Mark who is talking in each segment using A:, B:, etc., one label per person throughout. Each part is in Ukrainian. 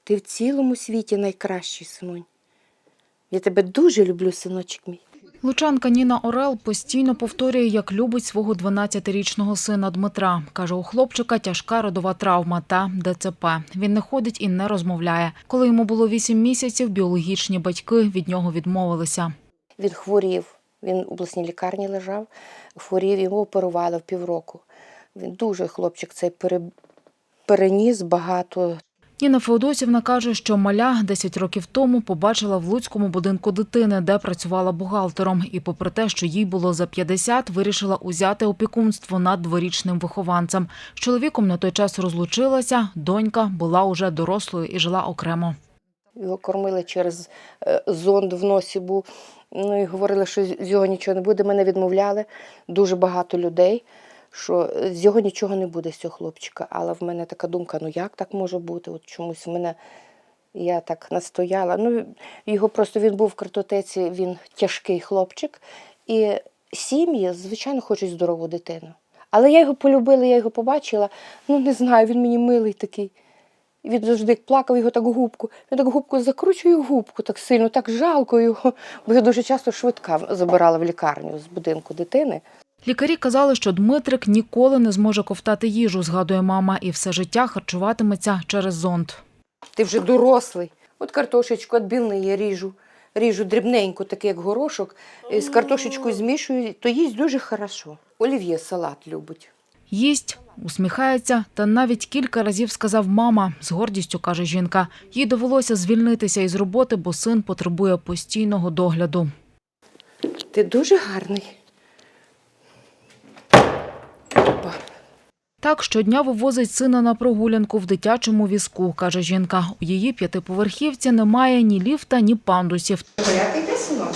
A: Ти в цілому світі найкращий, синонь. Я тебе дуже люблю, синочок мій.
B: Лучанка Ніна Орел постійно повторює, як любить свого 12-річного сина Дмитра. Каже, у хлопчика тяжка родова травма та ДЦП. Він не ходить і не розмовляє. Коли йому було 8 місяців, біологічні батьки від нього відмовилися.
A: Він хворів, він в обласній лікарні лежав, хворів, його оперували в півроку. Він дуже, хлопчик, цей переніс багато.
B: Ніна Феодосівна каже, що маля 10 років тому побачила в Луцькому будинку дитини, де працювала бухгалтером. І попри те, що їй було за 50, вирішила узяти опікунство над дворічним вихованцем. З чоловіком на той час розлучилася, донька була уже дорослою і жила окремо.
A: Його кормили через зонд в носі був. Ну і говорили, що з його нічого не буде. Мене відмовляли дуже багато людей, що з його нічого не буде, з цього хлопчика. Але в мене така думка, ну як так може бути? От чомусь я так настояла. Ну, його просто, він був в картотеці, він тяжкий хлопчик. І сім'ї, звичайно, хочуть здорову дитину. Але я його полюбила, я його побачила. Ну, не знаю, він мені милий такий. Він завжди як плакав, його так губку. Він так губку закручує губку так сильно, так жалко його. Бо його дуже часто швидка забирала в лікарню з будинку дитини.
B: Лікарі казали, що Дмитрик ніколи не зможе ковтати їжу, згадує мама, і все життя харчуватиметься через зонд.
A: Ти вже дорослий. От картошечку відбілний я ріжу дрібненько, такий як горошок, з картошечкою змішую, то їсть дуже хорошо. Олів'є салат любить.
B: Їсть, усміхається та навіть кілька разів сказав «мама», з гордістю каже жінка. Їй довелося звільнитися із роботи, бо син потребує постійного догляду.
A: Ти дуже гарний.
B: Так, щодня вивозить сина на прогулянку в дитячому візку, каже жінка. У її 5-поверхівці немає ні ліфта, ні пандусів.
A: Як йде, синок?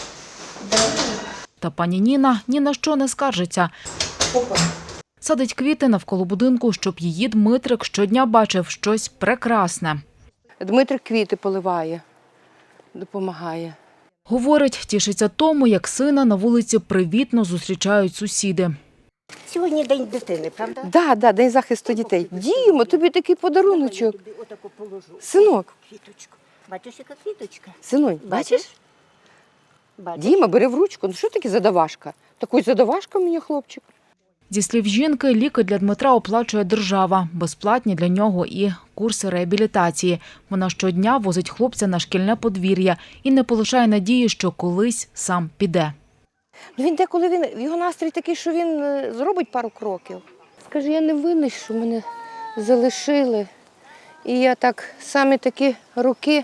B: Та пані Ніна ні на що не скаржиться.
A: Опа.
B: Садить квіти навколо будинку, щоб її Дмитрик щодня бачив щось прекрасне.
A: Дмитрик квіти поливає, допомагає.
B: Говорить, тішиться тому, як сина на вулиці привітно зустрічають сусіди.
C: Сьогодні день дитини, правда?
A: Да, День захисту дітей. Дімо, тобі такий подаруночок.
C: Отако положу.
A: Синок,
C: Квіточку. Бачиш, яка квіточка?
A: синонь, бачиш?
C: Бачиш?
A: Діма, бери в ручку. Ну що таке задавашка? Такий задавашка мені, хлопчик.
B: Зі слів жінки, ліки для Дмитра оплачує держава. Безплатні для нього і курси реабілітації. Вона щодня возить хлопця на шкільне подвір'я і не полишає надії, що колись сам піде.
A: Він деколи, його настрій такий, що він зробить пару кроків. Скаже, я не винний, що мене залишили. І я так, саме такі роки,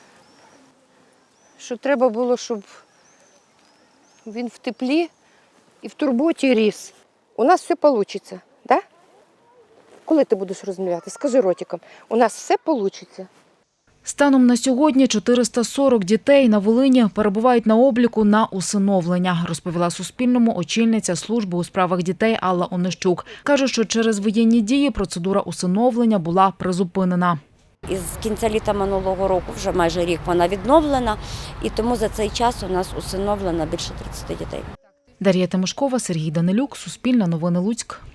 A: що треба було, щоб він в теплі і в турботі ріс. У нас все вийде, так? Коли ти будеш розмовляти? Скажи ротиком, у нас все вийде.
B: Станом на сьогодні 440 дітей на Волині перебувають на обліку на усиновлення, розповіла Суспільному очільниця служби у справах дітей Алла Онищук. Каже, що через воєнні дії процедура усиновлення була призупинена.
C: Із кінця літа минулого року, вже майже рік, вона відновлена, і тому за цей час у нас усиновлено більше 30 дітей.
B: Дар'я Тимошкова, Сергій Данилюк, Суспільне новини Луцьк.